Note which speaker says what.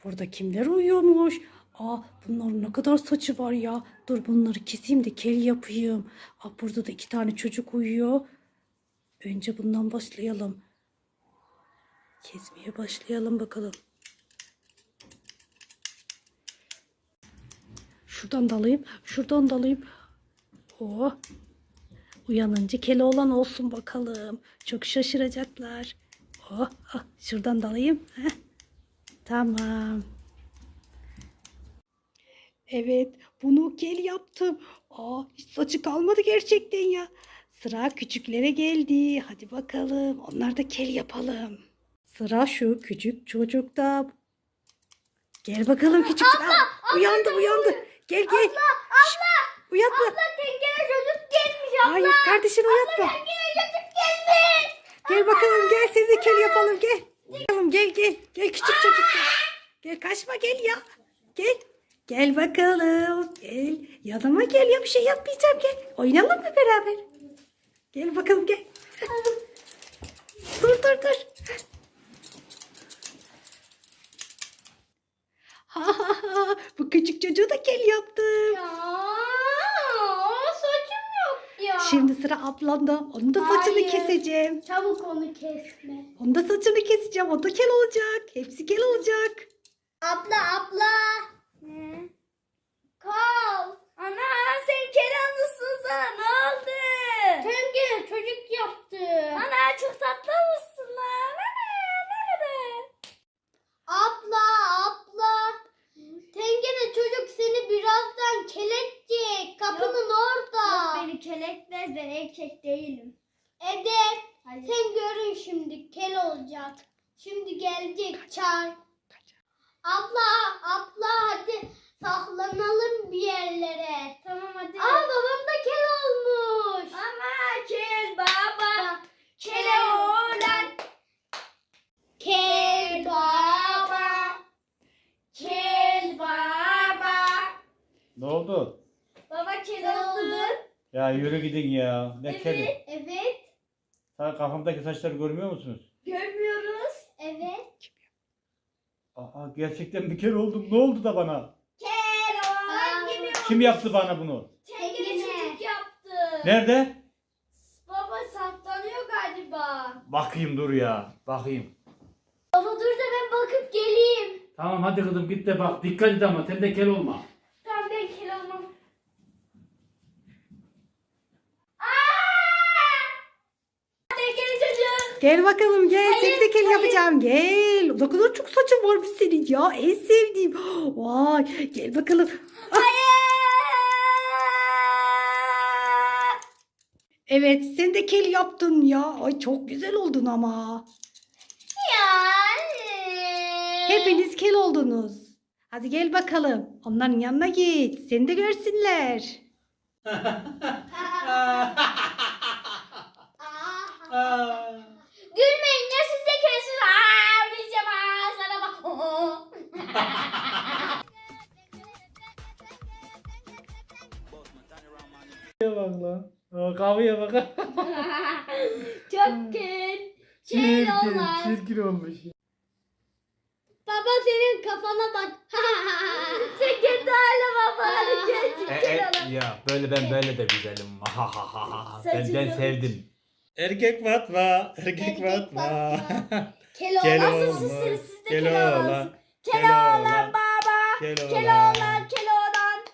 Speaker 1: Burada kimler uyuyormuş? Aa, bunların ne kadar saçı var ya. Dur bunları keseyim de kel yapayım. Aa, burada da 2 tane çocuk uyuyor. Önce bundan başlayalım. Kesmeye başlayalım bakalım. Şuradan da alayım. Şuradan da alayım. Oh. Uyanınca Keloğlan olsun bakalım. Çok şaşıracaklar. Oh, oh. Şuradan da alayım. Heh. Tamam. Evet, bunu kel yaptım. Aa, hiç saçı kalmadı gerçekten ya. Sıra küçüklere geldi. Hadi bakalım. Onlar da kel yapalım. Sıra şu küçük çocukta. Gel bakalım küçük. Aa, uyandı. Gel. Uyatma.
Speaker 2: Tenkere çocuk gelmiş abla.
Speaker 1: Hayır, kardeşini uyatma.
Speaker 2: Tenkere çocuk gelmiş.
Speaker 1: Gel bakalım, gel seni de kel yapalım, gel. Bakalım, gel. Gel küçük çocuk. Gel kaçma, gel ya. Gel. Gel bakalım. Gel. Yanıma gel ya, bir şey yapmayacağım, gel. Oynayalım mı beraber? Gel bakalım, gel. Dur. Ha. Bu küçük çocuğu da kel yaptım.
Speaker 2: Ya saçım yok ya.
Speaker 1: Şimdi sıra ablamda. Onun da saçını
Speaker 2: Hayır.
Speaker 1: keseceğim.
Speaker 2: Çabuk onu kesme.
Speaker 1: Onun da saçını keseceğim. O da kel olacak. Hepsi kel olacak.
Speaker 2: Abla. Ne? Kal. Ana sen Kenanlısın sana ne oldu? Tenkere çocuk yaptı. Ana çok tatlı mısın lan? Nerede? Abla. Tenkere çocuk seni birazdan keletecek. Kapının orada. Yok beni keletmez ben erkek değilim. Evet. Hadi. Sen görün şimdi kel olacak. Şimdi gelecek çağır. Abla hadi saklanalım bir yerlere. Tamam hadi. Babam da kel olmuş. Ama kel baba. Kel oğlan. Kel baba. Kel baba.
Speaker 3: Ne oldu?
Speaker 2: Baba kel oldu.
Speaker 3: Ya yürü gidin ya. Ne kedi?
Speaker 2: Evet.
Speaker 3: Sen kafamdaki saçları görmüyor musunuz?
Speaker 2: Görmüyoruz. Evet.
Speaker 3: Aa, gerçekten bir kere oldum. Ne oldu da bana?
Speaker 2: Kel oğlan gibi.
Speaker 3: Kim yaptı bana bunu?
Speaker 2: Tenkere çocuk yaptı.
Speaker 3: Nerede?
Speaker 2: Baba saklanıyor galiba.
Speaker 3: Bakayım dur ya. Bakayım.
Speaker 2: Baba dur da ben bakıp geleyim.
Speaker 3: Tamam hadi kızım git de bak. Dikkat et ama sen de kel olma.
Speaker 2: Tamam ben kel olmam. Tenkere çocuk.
Speaker 1: Gel bakalım, gel.
Speaker 2: Hayır,
Speaker 1: Seni de kel
Speaker 2: hayır.
Speaker 1: yapacağım. Gel. Ne kadar çok saçın varmış senin ya. En sevdiğim. Vay. Gel bakalım. Ah, evet, sen de kel yaptın ya. Ay çok güzel oldun ama.
Speaker 2: Yani.
Speaker 1: Hepiniz kel oldunuz. Hadi gel bakalım. Onların yanına git. Seni de görsünler.
Speaker 2: Gülmeyin ya siz de kelsiniz. Oynayacağım sana bak.
Speaker 3: Bak lan. Kahveye bak.
Speaker 2: Çok kel. Kel olan.
Speaker 3: Çirkin olmuş.
Speaker 2: Baba senin kafana bak. Sen kendi haline baba. Hadi kel olan.
Speaker 3: Ya ben böyle de güzelim.
Speaker 2: Saçın
Speaker 3: Ben
Speaker 2: yok.
Speaker 3: sevdim. Erkek Fatma.
Speaker 2: Erkek
Speaker 3: Fatma.
Speaker 2: Kel
Speaker 3: Kel
Speaker 2: olan.
Speaker 3: olmuş.
Speaker 2: Siz de
Speaker 3: Kel
Speaker 2: kel